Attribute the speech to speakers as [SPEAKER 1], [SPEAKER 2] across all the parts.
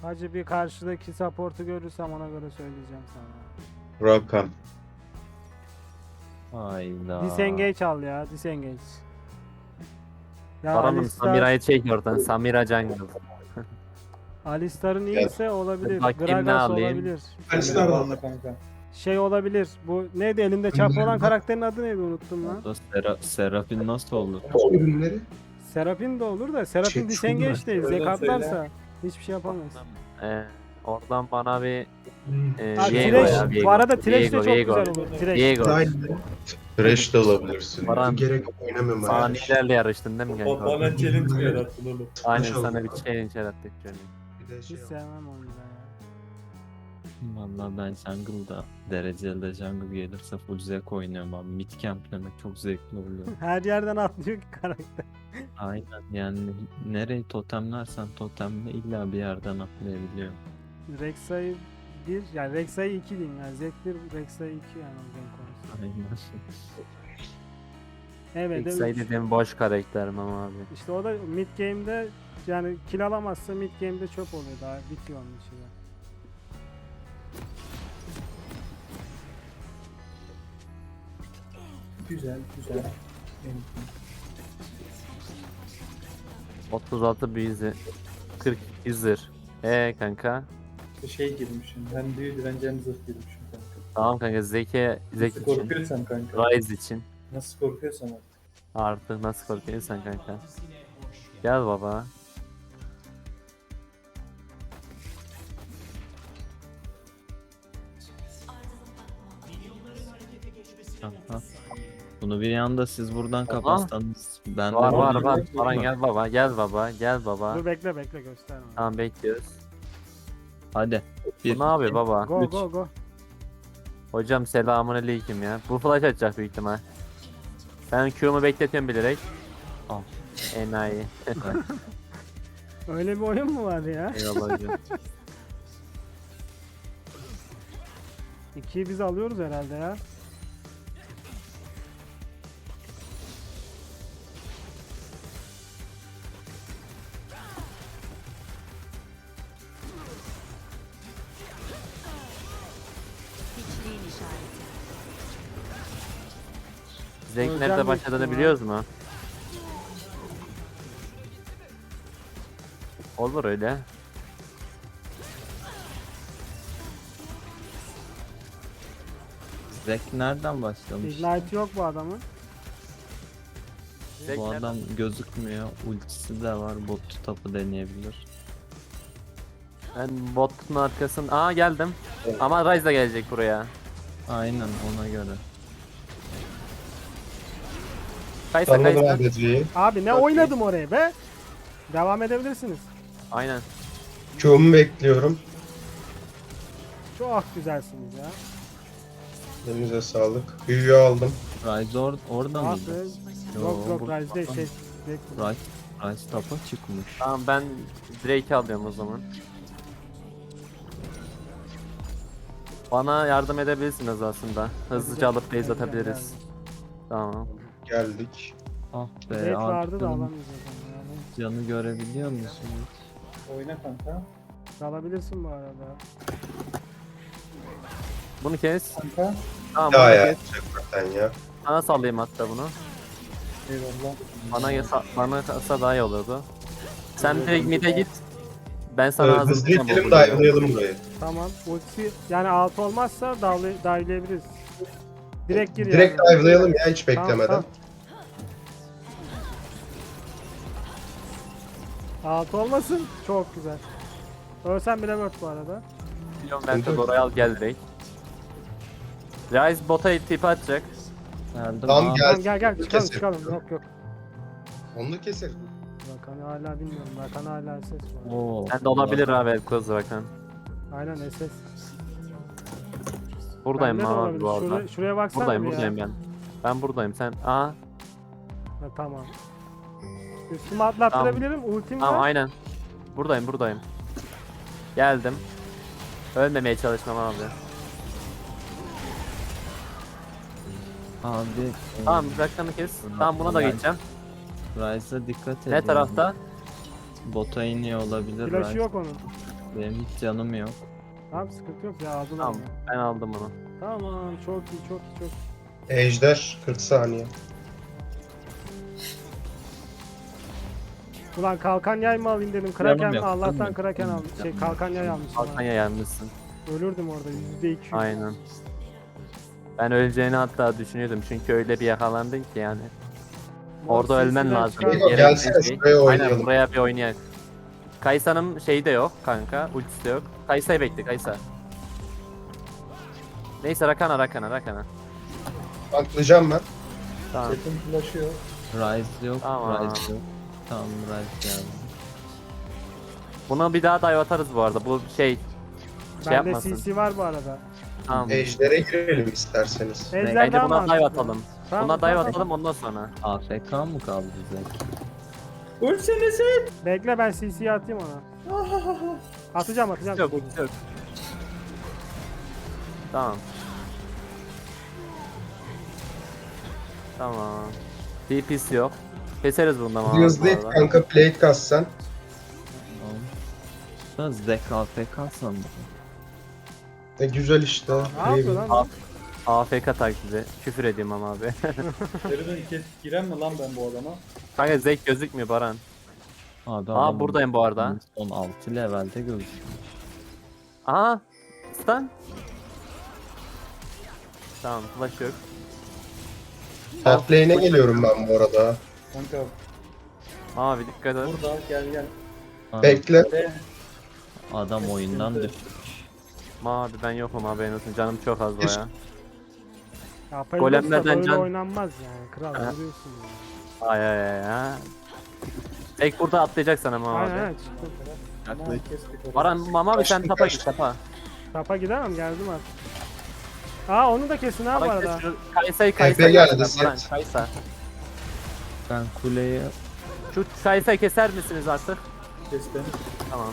[SPEAKER 1] Hacı bir karşıdaki support'u görürsem ona göre söyleyeceğim sana.
[SPEAKER 2] Rakan.
[SPEAKER 3] Hayda.
[SPEAKER 1] Disengage al ya, disengage. Ya
[SPEAKER 3] Baran'ım
[SPEAKER 1] Alistar,
[SPEAKER 3] Samira'yı çek oradan. Samira Jungle.
[SPEAKER 1] Alistar'ın iyiyse olabilir.
[SPEAKER 3] Bakayım ne
[SPEAKER 1] Gragas
[SPEAKER 3] alayım?
[SPEAKER 1] olabilir.
[SPEAKER 4] Alistar da kanka.
[SPEAKER 1] Şey olabilir. Bu neydi elinde çapı olan karakterin adı neydi unuttum lan.
[SPEAKER 3] Serafin nasıl olur?
[SPEAKER 4] Ürünleri.
[SPEAKER 1] Serapin de olur da Serapin
[SPEAKER 4] Şey,
[SPEAKER 1] disengage
[SPEAKER 4] şunlar.
[SPEAKER 1] değil.
[SPEAKER 4] Öyle
[SPEAKER 1] Zekatlarsa hiçbir şey yapamaz.
[SPEAKER 3] Oradan bana bir
[SPEAKER 1] Ha,
[SPEAKER 3] Viego
[SPEAKER 1] Thresh,
[SPEAKER 3] ya, Viego.
[SPEAKER 1] bu arada Thresh de
[SPEAKER 3] Viego,
[SPEAKER 1] çok
[SPEAKER 3] Viego.
[SPEAKER 1] güzel olur. Thresh.
[SPEAKER 3] Viego.
[SPEAKER 2] Thresh de alabilirsin.
[SPEAKER 3] Baran
[SPEAKER 4] Gerek yok, oynamıyorum ben.
[SPEAKER 3] saniyelerle yarıştın değil mi kanka?
[SPEAKER 5] Bana challenge mi yarattın oğlum?
[SPEAKER 3] Aynen
[SPEAKER 4] Maşallah.
[SPEAKER 3] sana bir challenge yarattık canım.
[SPEAKER 4] Bir de şey
[SPEAKER 1] Hiç
[SPEAKER 4] al.
[SPEAKER 1] sevmem onu da ya.
[SPEAKER 3] Vallahi ben jungle'da dereceli jungle gelirse full zevk oynuyorum abi. Mid camplemek çok zevkli oluyor.
[SPEAKER 1] Her yerden atlıyor ki karakter.
[SPEAKER 3] Aynen yani nereyi totemlersen totemle illa bir yerden atlayabiliyor.
[SPEAKER 1] Rek'Sai 1, yani Rek'Sai 2 diyeyim yani. Zek 1, Rek'Sai 2 yani o renk konusu.
[SPEAKER 3] Aynen.
[SPEAKER 1] Evet.
[SPEAKER 3] İlk sayı dediğim boş karakterim ama abi.
[SPEAKER 1] İşte o da mid game'de yani kill alamazsa mid game'de çöp oluyor, daha bitiyor onun işi de.
[SPEAKER 4] Güzel, güzel.
[SPEAKER 3] 36 büyüzü. 40 yüzür. Kanka.
[SPEAKER 5] Şey girmişim. Hem büyüdü bence hem zırh girmişim kanka.
[SPEAKER 3] Tamam kanka Zek
[SPEAKER 5] Nasıl
[SPEAKER 3] için.
[SPEAKER 5] korkuyorsan kanka.
[SPEAKER 3] Rise için.
[SPEAKER 5] Nasıl korkuyorsan artık.
[SPEAKER 3] Artık nasıl korkuyorsan kanka. Gel baba. Aha. Bunu bir anda siz buradan kapatsanız ben de
[SPEAKER 5] Var,
[SPEAKER 3] buradan-
[SPEAKER 5] var.
[SPEAKER 3] Baran gel baba, gel baba, gel baba.
[SPEAKER 1] Dur bekle gösterme.
[SPEAKER 3] Tamam bekliyoruz. Hadi.
[SPEAKER 5] Bu
[SPEAKER 3] Bir,
[SPEAKER 5] ne yapıyor baba?
[SPEAKER 1] Go
[SPEAKER 3] üç.
[SPEAKER 1] go go.
[SPEAKER 5] Hocam selamünaleyküm ya. Bu flash atacak büyük ihtimal. Ben Q'mu bekletiyorum bilerek.
[SPEAKER 3] Al.
[SPEAKER 5] Enayi.
[SPEAKER 1] Öyle bir oyun mu var ya?
[SPEAKER 5] Eyvallah hocam.
[SPEAKER 1] 2'yi biz alıyoruz herhalde ya.
[SPEAKER 6] Hiçliğin işareti.
[SPEAKER 5] Zek
[SPEAKER 1] Hocam
[SPEAKER 5] nerede başladığını biliyoruz mu? Olur öyle.
[SPEAKER 3] Zek nereden başlamış?
[SPEAKER 1] Ignite yok bu adamın.
[SPEAKER 5] Zek
[SPEAKER 3] Bu
[SPEAKER 5] nereden-
[SPEAKER 3] adam gözükmüyor. Ultisi de var. Bot tapı deneyebilir.
[SPEAKER 5] Ben botun arkasın. Aa geldim. Ama Ryze da gelecek buraya.
[SPEAKER 3] Aynen ona göre.
[SPEAKER 5] Kaysa
[SPEAKER 2] Anladım
[SPEAKER 5] Kaysa.
[SPEAKER 2] ADC'yi.
[SPEAKER 1] Abi ne
[SPEAKER 5] Çok iyi.
[SPEAKER 1] oynadım oraya be? Devam edebilirsiniz.
[SPEAKER 5] Aynen.
[SPEAKER 2] Q'umu bekliyorum.
[SPEAKER 1] Çok güzelsiniz ya.
[SPEAKER 2] Elinize sağlık. Büyüyü aldım.
[SPEAKER 3] Ryze orada mıydı?
[SPEAKER 1] Nasıl?
[SPEAKER 3] Yo,
[SPEAKER 1] Yok
[SPEAKER 3] bu-
[SPEAKER 1] Rise değil şey.
[SPEAKER 3] Ryze tapa çıkmış.
[SPEAKER 5] Tamam ben Drake'i alıyorum o zaman. Bana yardım edebilirsiniz aslında. Hızlıca alıp base atabiliriz. Tamam.
[SPEAKER 2] Geldik.
[SPEAKER 3] Ah be
[SPEAKER 1] Red vardı da
[SPEAKER 3] arkadan
[SPEAKER 1] alamayacağız onu yani.
[SPEAKER 3] canı görebiliyor musun?
[SPEAKER 4] Oyna kanka.
[SPEAKER 1] Alabilirsin bu arada.
[SPEAKER 5] Bunu kes.
[SPEAKER 4] Kanka.
[SPEAKER 5] Tamam
[SPEAKER 2] Ya
[SPEAKER 5] bana
[SPEAKER 2] ya.
[SPEAKER 5] kes.
[SPEAKER 2] Çakmaktan ya.
[SPEAKER 5] Sana sallayayım hatta bunu.
[SPEAKER 4] Eyvallah.
[SPEAKER 5] Bana kalsa daha iyi olurdu. Sen direkt mid'e git. Ben sana
[SPEAKER 2] Hızlı
[SPEAKER 5] hazırlayacağım.
[SPEAKER 2] gidelim
[SPEAKER 5] bu bölümü.
[SPEAKER 2] dive'layalım burayı.
[SPEAKER 1] Tamam. Ulti yani altı olmazsa dive'layabiliriz. Direkt gir
[SPEAKER 2] Direkt
[SPEAKER 1] yani.
[SPEAKER 2] dive'layalım ya hiç
[SPEAKER 1] Tamam,
[SPEAKER 2] beklemeden.
[SPEAKER 1] tamam. Altı olmasın. Çok güzel. Ölsen bile word bu arada.
[SPEAKER 5] Biliyorum ben de oraya al gel direkt. Ryze bota tip atacak.
[SPEAKER 3] Nerede?
[SPEAKER 2] Tamam,
[SPEAKER 3] Aa,
[SPEAKER 2] gel.
[SPEAKER 1] Tamam gel çıkalım
[SPEAKER 2] Kesin.
[SPEAKER 1] çıkalım. Yok yok.
[SPEAKER 2] Onu da keselim.
[SPEAKER 1] Rakan'ı hala bilmiyorum. Rakan hala SS var.
[SPEAKER 3] Oo,
[SPEAKER 5] Sen de olabilir abi el kız zaten.
[SPEAKER 1] Aynen SS.
[SPEAKER 5] Buradayım
[SPEAKER 1] Bende de
[SPEAKER 5] abi
[SPEAKER 1] olabilir.
[SPEAKER 5] bu arada.
[SPEAKER 1] Şuraya baksana
[SPEAKER 5] Buradayım
[SPEAKER 1] bir ya.
[SPEAKER 5] buradayım ben. Ben buradayım sen. Aa
[SPEAKER 1] Ha, tamam. Üstüme atlattırabilirim. Ultim
[SPEAKER 5] tamam
[SPEAKER 1] var.
[SPEAKER 5] aynen. Buradayım. Geldim. Ölmemeye çalışmam abi.
[SPEAKER 3] Abi.
[SPEAKER 5] Tamam uzaktanı kes. Tamam buna da geçeceğim.
[SPEAKER 3] Ryze'a dikkat edin.
[SPEAKER 5] Ne tarafta?
[SPEAKER 3] Bota iniyor olabilir.
[SPEAKER 1] Flash'ı
[SPEAKER 3] Ryze.
[SPEAKER 1] yok onun.
[SPEAKER 3] Benim hiç canım yok.
[SPEAKER 1] Tamam sıkıntı yok ya aldılar
[SPEAKER 5] Tamam
[SPEAKER 1] onu.
[SPEAKER 5] ben aldım onu.
[SPEAKER 1] Tamam çok iyi çok iyi çok iyi.
[SPEAKER 2] Ejder 40 saniye.
[SPEAKER 1] Ulan kalkan yay mı alayım dedim. Kraken
[SPEAKER 3] yok,
[SPEAKER 1] Allah'tan
[SPEAKER 3] canım yok,
[SPEAKER 1] kraken
[SPEAKER 3] canım
[SPEAKER 1] almış.
[SPEAKER 3] yok,
[SPEAKER 1] Şey
[SPEAKER 3] canım
[SPEAKER 1] kalkan
[SPEAKER 3] yok.
[SPEAKER 1] yay almışım.
[SPEAKER 5] Kalkan yayılmışsın.
[SPEAKER 1] Ölürdüm orada %200.
[SPEAKER 5] Aynen. Ben öleceğini hatta düşünüyordum çünkü öyle bir yakalandın ki yani.
[SPEAKER 1] Mor
[SPEAKER 5] Orada ölmen
[SPEAKER 1] CC'den
[SPEAKER 5] lazım.
[SPEAKER 1] çıkar.
[SPEAKER 2] Yok,
[SPEAKER 5] Yere
[SPEAKER 2] gelsene
[SPEAKER 5] bir şey-
[SPEAKER 2] şuraya
[SPEAKER 5] Aynen
[SPEAKER 2] oynayalım.
[SPEAKER 5] buraya bir oynayak. Kaysa'nın şeyi de yok kanka. Ultisi de yok. Kaysa'yı bekle Kaysa. Neyse Rakana.
[SPEAKER 2] Atlayacağım ben.
[SPEAKER 5] Tamam.
[SPEAKER 4] Setin flash'ı yok.
[SPEAKER 3] Rise yok.
[SPEAKER 5] Tamam.
[SPEAKER 3] Rise yok. Tamam Rise geldi.
[SPEAKER 5] Buna bir daha dive atarız bu arada. Bu şey
[SPEAKER 1] Bende
[SPEAKER 5] yapmasın.
[SPEAKER 1] CC var bu arada.
[SPEAKER 5] Tamam.
[SPEAKER 2] Ejder'e girelim isterseniz.
[SPEAKER 1] Ejder
[SPEAKER 5] Bence
[SPEAKER 1] daha
[SPEAKER 5] buna dive
[SPEAKER 1] mantıklı.
[SPEAKER 5] atalım.
[SPEAKER 1] Tamam,
[SPEAKER 5] Buna dive
[SPEAKER 1] tamam.
[SPEAKER 5] atalım ondan sonra.
[SPEAKER 3] AFK mı kaldı Zek?
[SPEAKER 4] Ölsene Set.
[SPEAKER 1] Bekle ben CC'yi atayım ona. Atacağım.
[SPEAKER 5] Yok yok. Tamam. Tamam. TP'si yok. Keseriz bundan ama.
[SPEAKER 2] Hızlı et kanka, plate kas sen.
[SPEAKER 3] Tamam. Da Zek AFK sandım.
[SPEAKER 2] Güzel işte.
[SPEAKER 1] Ne yapıyor lan?
[SPEAKER 5] AFK taklidi. Küfür ediyorum ama abi.
[SPEAKER 4] Nereden giren mi lan ben bu adama?
[SPEAKER 5] Kanka zevk gözükmüyor Baran.
[SPEAKER 3] Abi
[SPEAKER 5] Aa
[SPEAKER 3] adam
[SPEAKER 5] buradayım bu arada.
[SPEAKER 3] Son 6 levelde gözüküyor.
[SPEAKER 5] Aha. Stun. Tamam flash yok.
[SPEAKER 2] Top lane'e geliyorum ben bu arada.
[SPEAKER 4] Kanka
[SPEAKER 5] Abi dikkat et.
[SPEAKER 4] burada gel.
[SPEAKER 3] Abi,
[SPEAKER 2] Bekle.
[SPEAKER 4] Ve
[SPEAKER 3] adam oyundan düştü.
[SPEAKER 5] Abi ben yokum haberin olsun. Canım çok az baya.
[SPEAKER 1] Ya
[SPEAKER 5] Golemlerden
[SPEAKER 1] Golemlerden
[SPEAKER 5] can-
[SPEAKER 1] oynanmaz yani. Kral
[SPEAKER 5] Ha.
[SPEAKER 1] vuruyorsun ya.
[SPEAKER 5] Ay ay ay ay. Tek burada atlayacak sana ama
[SPEAKER 1] Aynen
[SPEAKER 5] abi.
[SPEAKER 1] aynen çıktım.
[SPEAKER 4] aman kestik orayı.
[SPEAKER 5] Baran mama bir sen
[SPEAKER 2] Kaçtı,
[SPEAKER 5] tapa git
[SPEAKER 2] kaçtı.
[SPEAKER 5] tapa.
[SPEAKER 1] Tapa gidemem geldim artık. Aa onu da kesin ha bu
[SPEAKER 5] Baran
[SPEAKER 1] arada.
[SPEAKER 5] kes şu Kaysa'yı
[SPEAKER 2] Efe geldi,
[SPEAKER 5] Baran,
[SPEAKER 2] set.
[SPEAKER 5] Kaysa.
[SPEAKER 3] Ben kuleye
[SPEAKER 5] Şu Kaysa'yı keser misiniz artık?
[SPEAKER 4] Kestim.
[SPEAKER 5] Tamam.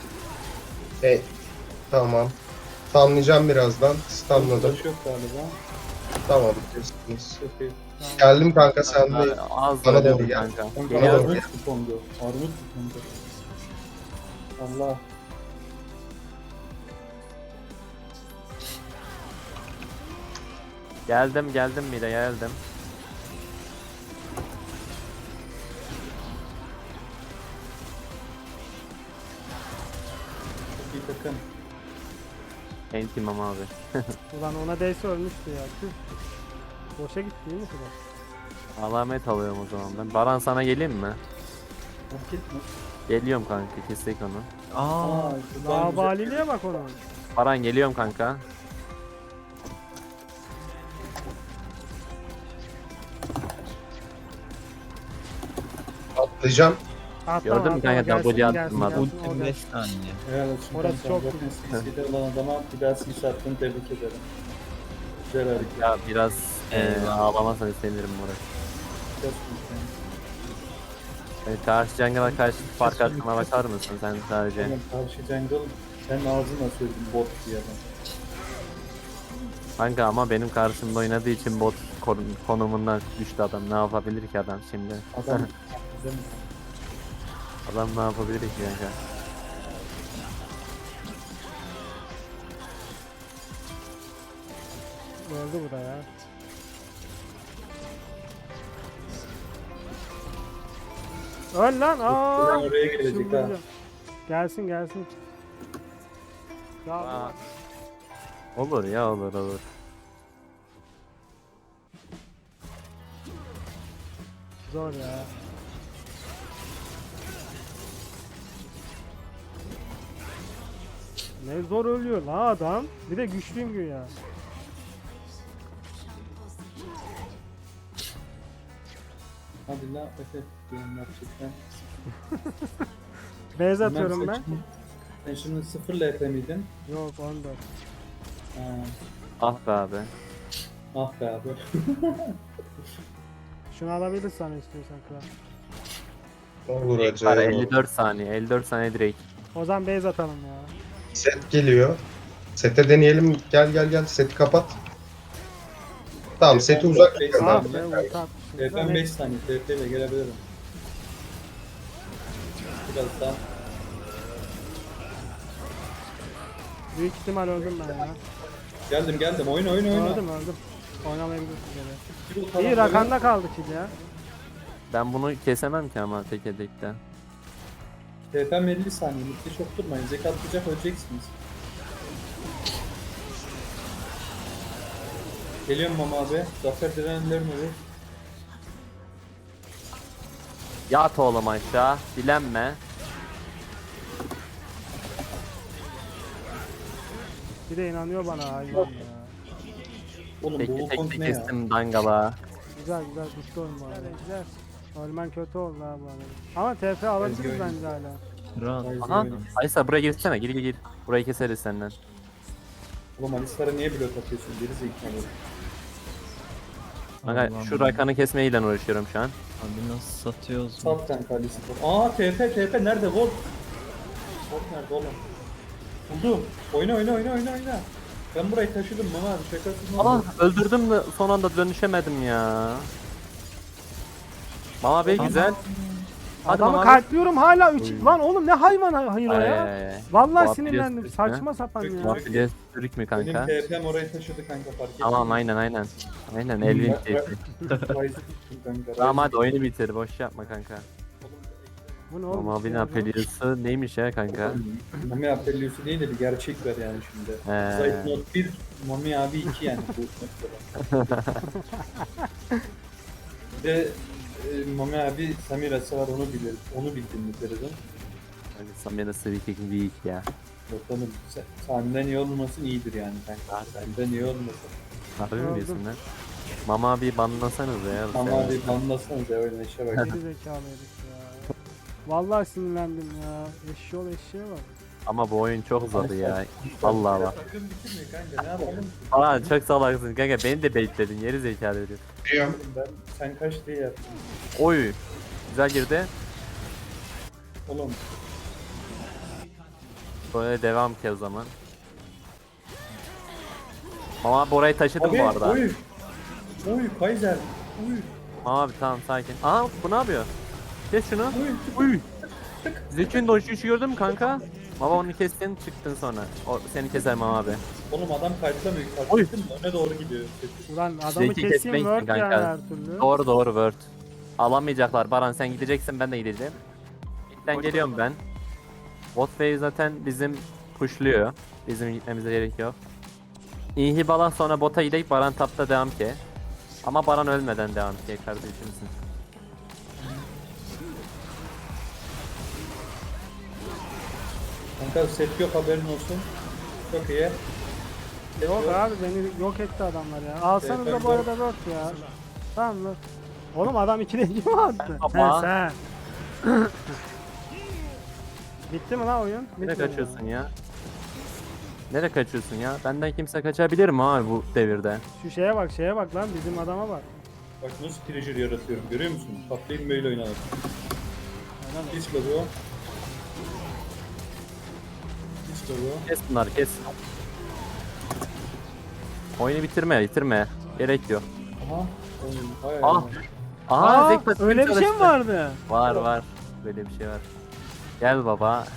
[SPEAKER 2] Tamam. Stunlayacağım birazdan. Stunladım.
[SPEAKER 4] Flash yok galiba.
[SPEAKER 2] Tamam. kestiniz.
[SPEAKER 4] Çok iyi.
[SPEAKER 2] Geldim kanka, sen de.
[SPEAKER 5] Az
[SPEAKER 2] Bana
[SPEAKER 5] da
[SPEAKER 2] doğru
[SPEAKER 5] öldüm
[SPEAKER 2] gel.
[SPEAKER 5] kanka.
[SPEAKER 4] Kanka
[SPEAKER 2] Bana doğru
[SPEAKER 4] armut
[SPEAKER 2] gel.
[SPEAKER 4] tutundu. Armut tutundu. Allah.
[SPEAKER 5] Geldim mide geldim.
[SPEAKER 4] Çok iyi takım.
[SPEAKER 5] Entim ama abi.
[SPEAKER 1] Ulan ona değse ölmüştü ya. Tüh. Boşa gitti değil mi kral?
[SPEAKER 5] Alamet alıyorum o zaman ben. Baran sana geleyim mi?
[SPEAKER 4] Vakit mi?
[SPEAKER 5] Geliyorum kanka kestik onu.
[SPEAKER 3] Aa,
[SPEAKER 4] şuradan güzel.
[SPEAKER 1] Labaliliğe bak onun.
[SPEAKER 5] Baran geliyorum kanka.
[SPEAKER 2] Atlayacağım.
[SPEAKER 1] Atlama,
[SPEAKER 5] Gördün mü
[SPEAKER 1] atlama,
[SPEAKER 5] kanka,
[SPEAKER 1] gelsin,
[SPEAKER 5] double
[SPEAKER 1] gelsin,
[SPEAKER 5] attım adam.
[SPEAKER 1] gelsin, o
[SPEAKER 3] ultim
[SPEAKER 1] gelsin.
[SPEAKER 3] 5 saniye.
[SPEAKER 4] Helal olsun
[SPEAKER 1] Orası
[SPEAKER 4] kanka.
[SPEAKER 1] çok
[SPEAKER 4] Zaten CC'de olan adama bir daha CC attığını tebrik ederim. Güzel hareket.
[SPEAKER 5] Ya biraz
[SPEAKER 3] Eyvah.
[SPEAKER 5] ağlamazsan istemiyorum Murat.
[SPEAKER 4] Çok iyi.
[SPEAKER 5] Yani karşı jungle'a karşı fark attığına bakar mısın sen sadece?
[SPEAKER 4] Benim karşı jungle sen ağzına söyledin bot diye adam.
[SPEAKER 5] Kanka ama benim karşımda oynadığı için bot konumundan düştü adam. Ne yapabilir ki adam şimdi?
[SPEAKER 4] Adam bizim
[SPEAKER 5] Adam ne yapabilir ki kanka?
[SPEAKER 1] Öldü bu da ya. Öl lan aa.
[SPEAKER 4] buradan oraya gelecek ha.
[SPEAKER 1] Çıldıracağım. Gelsin gelsin. Ya
[SPEAKER 5] Aa. Olur ya olur.
[SPEAKER 1] zor ya. Ne zor ölüyor la adam. Bir de güçlüyüm güya.
[SPEAKER 4] Hadi la Efe diyorum gerçekten.
[SPEAKER 1] Beyaz
[SPEAKER 4] Bilmem
[SPEAKER 1] atıyorum ben.
[SPEAKER 4] saçma. Sen şimdi 0 LP miydin?
[SPEAKER 1] Yok 14.
[SPEAKER 4] Ha,
[SPEAKER 5] Ah be abi.
[SPEAKER 4] ah be abi.
[SPEAKER 1] Şunu alabilirsen istiyorsan kral.
[SPEAKER 2] Olur
[SPEAKER 5] Var
[SPEAKER 2] acayip.
[SPEAKER 5] 54 saniye. 54 saniye direkt.
[SPEAKER 1] O zaman beyaz atalım ya.
[SPEAKER 2] Set geliyor. Sete deneyelim. Gel. Seti kapat. Tamam, seti uzak
[SPEAKER 4] Beş
[SPEAKER 2] tutuyorum
[SPEAKER 1] Ah
[SPEAKER 2] ben.
[SPEAKER 4] saniye.
[SPEAKER 1] be ulti atmışım.
[SPEAKER 4] LP'm
[SPEAKER 1] Ne-
[SPEAKER 4] 5 saniye. TP ile gelebilirim. Biraz daha.
[SPEAKER 1] Büyük ihtimal öldüm ben ya.
[SPEAKER 4] Geldim. Oyna.
[SPEAKER 1] Öldüm. Oynamayabilirsin gene.
[SPEAKER 4] Bir o
[SPEAKER 1] İyi
[SPEAKER 4] tarafta
[SPEAKER 1] rakanda kaldı kill ya.
[SPEAKER 5] Ben bunu kesemem ki ama tek edekte.
[SPEAKER 4] TP'm 50 saniye. Mitte çok durmayın. Zekat atacak öleceksiniz. Geliyorum Mama abi. Zafer direnenlerin ölü.
[SPEAKER 5] Yat oğlum aşağı. Dilenme.
[SPEAKER 1] Bir de inanıyor bana hayvan ya.
[SPEAKER 4] Oğlum bu
[SPEAKER 5] Tek
[SPEAKER 4] Wukong
[SPEAKER 5] tek
[SPEAKER 4] ne ya?
[SPEAKER 5] kestim dangala.
[SPEAKER 1] Güzel bitti oyun bu arada. Güzel. Ölmen kötü oldu abi bu arada. Ama TP alabiliriz
[SPEAKER 4] Ezgi
[SPEAKER 1] bence hala.
[SPEAKER 3] Rahat.
[SPEAKER 4] Ezgi
[SPEAKER 5] Aha.
[SPEAKER 4] oynuyor.
[SPEAKER 5] Aysa buraya girsene. Gir. Burayı keseriz senden.
[SPEAKER 4] Oğlum Alistar'a niye blok atıyorsun? Geri zekalı.
[SPEAKER 5] Kanka
[SPEAKER 3] Allah'ım
[SPEAKER 5] şu
[SPEAKER 3] ya.
[SPEAKER 5] rakanı kesmeyle uğraşıyorum şu an.
[SPEAKER 3] Abi nasıl satıyoruz?
[SPEAKER 4] Sat kanka Alistar. Aa TP nerede? Volt nerede oğlum? Buldum. Oyna. Ben burayı taşıdım Mama abi. Şakasız mı?
[SPEAKER 5] Aa öldürdüm de son anda dönüşemedim ya. Mama Bey güzel. Hadi
[SPEAKER 1] Adamı
[SPEAKER 5] Mama Bey.
[SPEAKER 1] kalpliyorum hala 3.
[SPEAKER 5] Oy.
[SPEAKER 1] Lan oğlum ne hayvan hayır o ya.
[SPEAKER 5] Ay.
[SPEAKER 1] Vallahi
[SPEAKER 5] Bu
[SPEAKER 1] sinirlendim.
[SPEAKER 5] Apilius
[SPEAKER 1] Saçma sapan
[SPEAKER 4] Çok
[SPEAKER 1] ya.
[SPEAKER 4] güzel.
[SPEAKER 5] Mafya Türk mü
[SPEAKER 4] Benim
[SPEAKER 5] kanka?
[SPEAKER 4] TP'm orayı taşıdı kanka fark ettim.
[SPEAKER 5] Tamam aynen. Aynen Elvin keyfi. Tamam hadi oyunu bitir boş yapma kanka.
[SPEAKER 1] Bu ne oğlum?
[SPEAKER 5] Mama Bey'in Apelius'u neymiş ya kanka?
[SPEAKER 4] Mami Apelius'u değil de bir gerçek ver yani şimdi.
[SPEAKER 5] He.
[SPEAKER 4] Zayıf not 1, Mami abi 2 yani bu noktada. Bir de Mami abi Samira'sı var onu bilir. Onu bildiğini deriz.
[SPEAKER 5] Hani Samira Sivik weak ya.
[SPEAKER 4] Bakalım senden iyi olmasın iyidir yani kanka. Senden iyi olmasın.
[SPEAKER 5] Harbi mi
[SPEAKER 1] Gördüm.
[SPEAKER 5] diyorsun lan? Mama abi banlasanız ya.
[SPEAKER 4] Mami abi banlasanız ya öyle neşe bak.
[SPEAKER 1] Geri zekalı herif ya. Vallahi sinirlendim ya. Eşeğe bak.
[SPEAKER 5] Ama bu oyun çok uzadı ya. Vallahi bak.
[SPEAKER 4] Takım bitirmiyor kanka ne yapalım?
[SPEAKER 5] Aa çok salaksın kanka beni de baitledin yeri zekalı herif.
[SPEAKER 2] Biliyorum.
[SPEAKER 4] Sen kaç diye yaptın?
[SPEAKER 5] Oy. Güzel girdi.
[SPEAKER 4] Oğlum
[SPEAKER 5] Böyle devam ki o zaman. Mama abi orayı taşıdım
[SPEAKER 4] abi
[SPEAKER 5] bu arada.
[SPEAKER 4] oy. Oy Kaiser. Oy.
[SPEAKER 5] Mama abi tamam sakin. Aa bu ne yapıyor? Kes şunu.
[SPEAKER 4] Oy.
[SPEAKER 5] Uy. Zeki'nin dojuşu gördün mü kanka? Baba onu kestin çıktın sonra. O seni keser Mama abi.
[SPEAKER 4] Oğlum adam kalplamıyor.
[SPEAKER 5] Oy.
[SPEAKER 4] Kalpladın mı? Öne doğru gidiyor.
[SPEAKER 1] Ulan adamı
[SPEAKER 5] Zeki
[SPEAKER 1] keseyim
[SPEAKER 5] kesmek
[SPEAKER 1] word
[SPEAKER 5] için
[SPEAKER 1] yani
[SPEAKER 5] kanka.
[SPEAKER 1] her türlü.
[SPEAKER 5] Doğru word. Alamayacaklar Baran sen gideceksin ben de gideceğim. İlkten geliyorum ben. Botway zaten bizim pushluyor. Bizim gitmemize gerek yok. İyi Balan sonra bota gidip Baran tapta devam ki. Ama Baran ölmeden devam ki kardeşimsin.
[SPEAKER 4] Kanka set yok haberin olsun. Çok iyi. Set
[SPEAKER 1] Yok abi beni yok etti adamlar ya. Alsanız da bu arada word ya. Tamam mı? Oğlum adam 2'de 2 mi attı?
[SPEAKER 5] Baba.
[SPEAKER 1] He sen. Bitti mi lan oyun?
[SPEAKER 5] Nereye
[SPEAKER 1] Bitmedi
[SPEAKER 5] kaçıyorsun ya? Nereye kaçıyorsun ya? Benden kimse kaçabilir mi abi bu devirde?
[SPEAKER 1] Şu şeye bak lan bizim adama bak.
[SPEAKER 4] Bak nasıl treasure yaratıyorum görüyor musun? Patlayın böyle oynanır.
[SPEAKER 1] Adam
[SPEAKER 4] Hiç bu. Hiç bu.
[SPEAKER 5] Kes bunları kes. Oyunu bitirme. Gerek yok.
[SPEAKER 4] Aha. Oğlum, hay
[SPEAKER 5] Ah.
[SPEAKER 4] Allah.
[SPEAKER 5] Aha
[SPEAKER 1] Aa,
[SPEAKER 5] Zekbat
[SPEAKER 1] öyle bir şey mi
[SPEAKER 5] çalıştı.
[SPEAKER 1] vardı?
[SPEAKER 5] Var. Böyle bir şey var. Gel baba.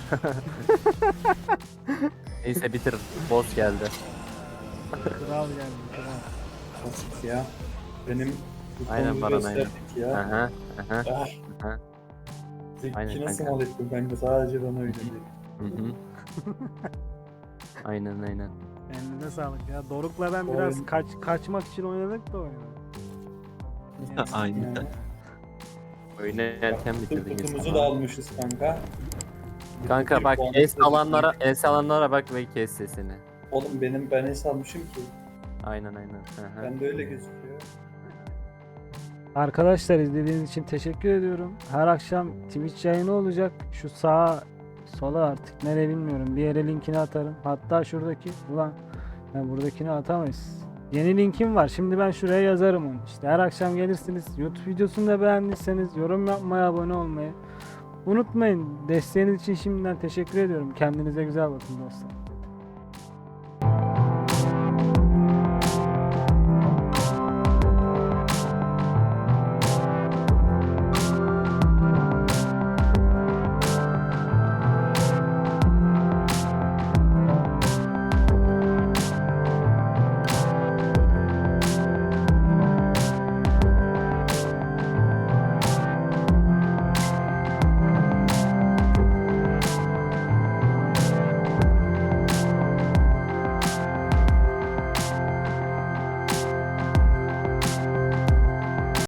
[SPEAKER 5] Neyse bitir. Boss geldi.
[SPEAKER 1] Kral geldi kral.
[SPEAKER 4] Basit ya. Benim bu
[SPEAKER 5] Aynen
[SPEAKER 4] konuyu
[SPEAKER 5] Baran, aynen.
[SPEAKER 4] gösterdik ya.
[SPEAKER 5] Aha.
[SPEAKER 4] Ah.
[SPEAKER 5] Aha. Aynen
[SPEAKER 4] Zeki nasıl
[SPEAKER 5] kanka.
[SPEAKER 4] mal ettim kanka sadece bana öyle değil.
[SPEAKER 5] Hı. Aynen.
[SPEAKER 1] Eline sağlık ya. Doruk'la ben
[SPEAKER 4] Oyun-
[SPEAKER 1] biraz kaçmak için oynadık da oyunu.
[SPEAKER 3] Aynen.
[SPEAKER 4] Yani.
[SPEAKER 5] Oyunu erken bitirdin.
[SPEAKER 4] Kutumuzu da almışız kanka.
[SPEAKER 5] Kanka
[SPEAKER 4] Bir
[SPEAKER 5] bak
[SPEAKER 4] puan
[SPEAKER 5] es
[SPEAKER 4] istedik.
[SPEAKER 5] alanlara bak ve kes sesini.
[SPEAKER 4] Oğlum ben es almışım ki.
[SPEAKER 5] Aynen. Aha.
[SPEAKER 4] Ben de öyle gözüküyor.
[SPEAKER 1] Arkadaşlar izlediğiniz için teşekkür ediyorum. Her akşam Twitch yayını olacak. Şu sağa sola artık nereye bilmiyorum. Bir yere linkini atarım. Hatta şuradaki ulan ben buradakini atamayız. Yeni linkim var. Şimdi ben şuraya yazarım onu. İşte her akşam gelirsiniz. YouTube videosunu da beğendiyseniz yorum yapmayı, abone olmayı unutmayın. Desteğiniz için şimdiden teşekkür ediyorum. Kendinize güzel bakın dostlar.